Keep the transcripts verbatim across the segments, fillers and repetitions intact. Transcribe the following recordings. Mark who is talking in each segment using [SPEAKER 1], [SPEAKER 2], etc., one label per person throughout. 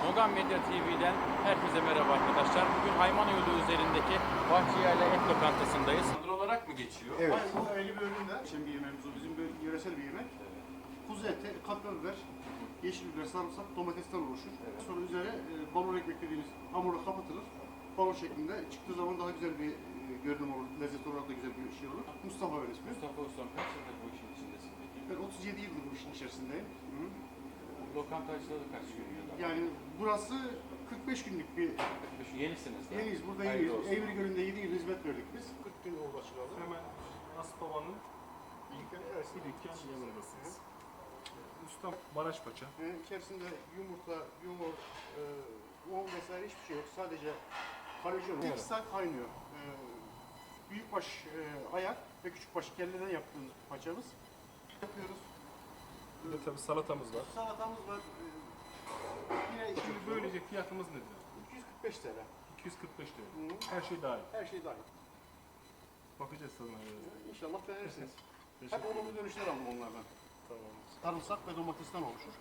[SPEAKER 1] Nogan Medya T V'den herkese merhaba arkadaşlar. Bugün Hayman Yolu üzerindeki Bahçıyerli Et Lokantası'ndayız. Tandır olarak mı geçiyor?
[SPEAKER 2] Evet. Hayır, bu ayrı bir öğünden. Şimdi bir yemeğimiz o. Bizim böyle yöresel bir yemek. Kuzu eti, kapya biber, yeşil biber, sarımsak, domatesten oluşur. Evet. Sonra üzerine e, balon ekmek dediğimiz hamurla kapatılır. Balon şeklinde çıktığı zaman daha güzel bir e, görünüm olur. Lezzet olarak da güzel bir şey olur. Mustafa öyle ismi.
[SPEAKER 1] Mustafa Ustam kaç yıldır bu işin içindesin peki?
[SPEAKER 2] Ben otuz yedi yıldır bu işin içerisindeyim. Hı.
[SPEAKER 1] Lokanta açılalı kaç gün yılda?
[SPEAKER 2] Yani burası kırk beş günlük bir...
[SPEAKER 1] Yenisiniz de.
[SPEAKER 2] Yeniyiz, burada
[SPEAKER 1] Hayırlı
[SPEAKER 2] yeniyiz.
[SPEAKER 1] olsun.
[SPEAKER 2] Eğri Gölü'nde yedi yıl hizmet verdik biz. kırk gün oldu açılalı.
[SPEAKER 3] Hemen Aspava'nın
[SPEAKER 2] İlk evet.
[SPEAKER 3] bir dükkan yanındasınız. Ustam Maraş Paça.
[SPEAKER 2] Ee, içerisinde yumurta, yumurt, e, un vesaire hiçbir şey yok. Sadece karabiber.
[SPEAKER 3] Evet.
[SPEAKER 2] iki saat kaynıyor. Ee, büyükbaş e, ayak ve küçükbaş kelleden yaptığımız paçamız. Yapıyoruz.
[SPEAKER 3] Bir de tabii salatamız var.
[SPEAKER 2] Salatamız var. Ee, yine
[SPEAKER 3] Şimdi böylece fiyatımız nedir?
[SPEAKER 2] iki yüz kırk beş T L.
[SPEAKER 3] iki yüz kırk beş lira.
[SPEAKER 2] Hı.
[SPEAKER 3] Her şey dahil.
[SPEAKER 2] Her şey dahil.
[SPEAKER 3] Bakacağız tadına.
[SPEAKER 2] Ee, İnşallah beğenirsiniz. Hep
[SPEAKER 3] Teşekkür
[SPEAKER 2] olumlu dönüşler aldım onlardan.
[SPEAKER 3] Tamam.
[SPEAKER 2] Sarımsak ve domatesten oluşur.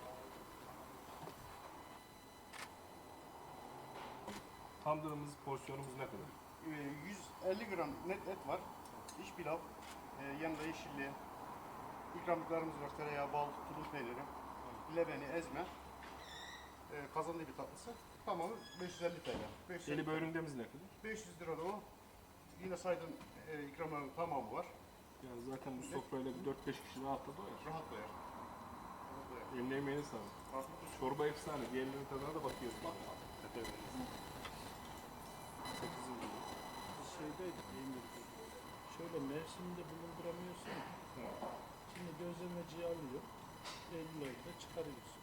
[SPEAKER 3] Tandırımız, porsiyonumuz ne kadar?
[SPEAKER 2] Ee, yüz elli gram net et var. İç pilav, e, yanında yeşilliği, ikramlıklarımız var. Tereyağı, bal, tulum peyniri, lebeni, ezme, e, kazanlı bir tatlısı. Tamamı beş yüz elli T L. beş yüz elli
[SPEAKER 3] Deli böğründemiz ne kadar?
[SPEAKER 2] beş yüz lira da o. Yine saydığım e, ikramların tamamı var.
[SPEAKER 3] Yani zaten bu sofrayla bir dört beş kişi rahatla doyar.
[SPEAKER 2] Rahat doyar. Rahat doyar.
[SPEAKER 3] Eline emeğine sağlık.
[SPEAKER 2] Afiyet olsun.
[SPEAKER 3] Çorba efsane. Diğerlerinin tadına da bakıyoruz.
[SPEAKER 2] Bak.
[SPEAKER 3] Evet. Sekizinci.
[SPEAKER 4] Şeydeydik, Emir'de. Şöyle mevsiminde bulunduramıyorsun. Şimdi gözlemeciyi alıyor. Eylül ayında çıkarıyorsun.